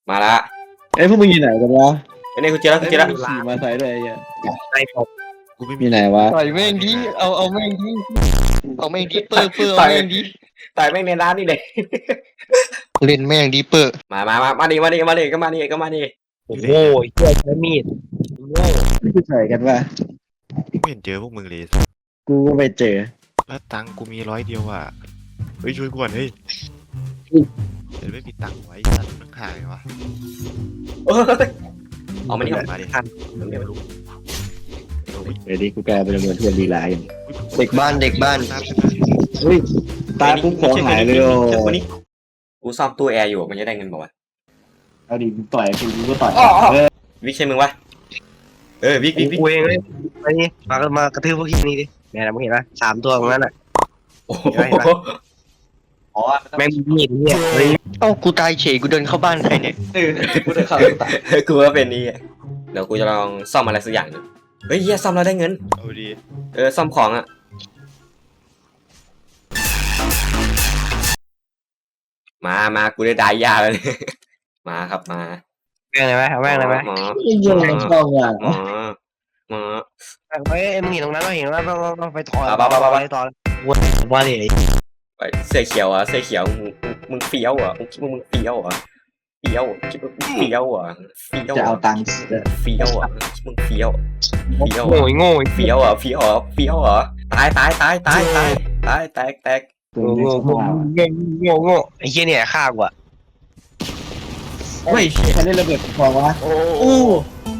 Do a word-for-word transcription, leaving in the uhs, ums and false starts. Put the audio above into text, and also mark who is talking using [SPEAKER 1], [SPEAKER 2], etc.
[SPEAKER 1] มาละ
[SPEAKER 2] เอ้ยพวกมึงอยู่ไหนกันวะ
[SPEAKER 1] ไอ้นี่กูเจอแล้วกูเจอแล้ว
[SPEAKER 2] ขี่มาใส่เลยไอ้
[SPEAKER 3] ไอ้ผม
[SPEAKER 4] กูไม่
[SPEAKER 2] อ
[SPEAKER 4] มี
[SPEAKER 2] ยู่ไหนวะ
[SPEAKER 3] ต่อยแม่งดิเอาเอาแม่งดิเอาแม่งดิเปอร์เปอร์เอาแม่งดิ
[SPEAKER 1] ต่อยแม่งในร้านนี่เลย
[SPEAKER 3] เล่นแม่งดิเปอร์
[SPEAKER 1] มามามามาดิมาดิมาดิก็มาดิก็มาดิ
[SPEAKER 3] โอ้โหเหี้ยใช้มีดโง่
[SPEAKER 2] ไม่ใส่กันวะ
[SPEAKER 4] ไม่เห็นเจอพวกมึงเลย
[SPEAKER 2] กูก็ไปเจอ
[SPEAKER 4] แล้วตังค์กูมีร้อยเดียวอ่ะเฮ้ยช่วยกูก่อนเฮ้ยเดี๋ยวไม่มีตังค์ไว้สัตว์มันหายไงวะ
[SPEAKER 1] เออเอามานี่ก่อน
[SPEAKER 4] มาดิ
[SPEAKER 1] เดี๋ยว
[SPEAKER 4] ลุง
[SPEAKER 2] เดี๋ยวนี้กูกลายเป็นเหมือนเพื่อนดีไลน์
[SPEAKER 3] เด็กบ้านเด็กบ้าน
[SPEAKER 2] เฮ้ยตายปุ๊บของหายเลยโอ้
[SPEAKER 1] เจอคนนี้กูซ่อมตู้แอร์อยู่มันจะได้เงินบอกว่า
[SPEAKER 2] เอาดิมึงต่อยกูกูก็ต่อยเออ
[SPEAKER 1] วิกใช่มึงวะเออวิกวิกวิก
[SPEAKER 3] กูเองเลยไปนี่มามากระทืบพวกที่นี่ดิเนี่ยนะมึงเห็นปะสามตัวตรงนั้นอ่ะ
[SPEAKER 1] โอ้โห
[SPEAKER 2] อ๋อ
[SPEAKER 3] แม่งมีดเนี่ยเฮ้ยเอ้ากูตายเฉยกูเดินเข้าบ้านใครเนี่ย
[SPEAKER 2] เออกูจะเข้าตาย
[SPEAKER 1] กูว่าเป็นนี่เดี๋ยวกูจะลองซ่อมอะไรสักอย่างหนึงเฮ้ยเฮียซ่อมแล้วได้เงิน
[SPEAKER 4] เอาดี
[SPEAKER 1] เออซ่อมของอ่ะมามากูได้ได้ยาแล้วเนี่ยมาครับมา
[SPEAKER 3] แม่งเลยไหมเอาแม่งเลยไหม
[SPEAKER 1] หมอ
[SPEAKER 2] ยังไงช่องอ่ะ
[SPEAKER 1] หมอหมอ
[SPEAKER 3] ไปมึงเห็นตรงนั้นเราเห็นว่าเราไปถอย
[SPEAKER 1] ไปไปไปไป
[SPEAKER 3] ไปต่อว่าดิ
[SPEAKER 1] ไปเสื้อเขียวอ่ะเสื้อเขียวมึงมึงมึงเฟี้ยวอ่ะมึงคิดว่ามึงเฟี้ยวอ่ะเฟี้ยวคิดว่ามึงเฟี้ยวอ่ะเฟี้ยว
[SPEAKER 2] จะเอาตังค์
[SPEAKER 1] เฟี้ยวอ่ะมึงเฟี้ยวเฟี้ยว
[SPEAKER 3] โง่
[SPEAKER 1] อ่ะ
[SPEAKER 3] โง่
[SPEAKER 1] เฟี้ยวอ่ะเฟี้ยวอ่ะเฟี้ยวอ่ะตายตายตายตายตายตายแตกแตก
[SPEAKER 2] ตัว
[SPEAKER 3] โง่
[SPEAKER 2] นี้
[SPEAKER 3] โง่
[SPEAKER 2] ช่อง
[SPEAKER 3] โง่โง่โง่ไอ้เหี้ยเนี่ยฆ่ากูอ่ะ
[SPEAKER 2] เฮ้ยใครได้ระเบิดฟองวะ
[SPEAKER 1] โอ้
[SPEAKER 2] อู้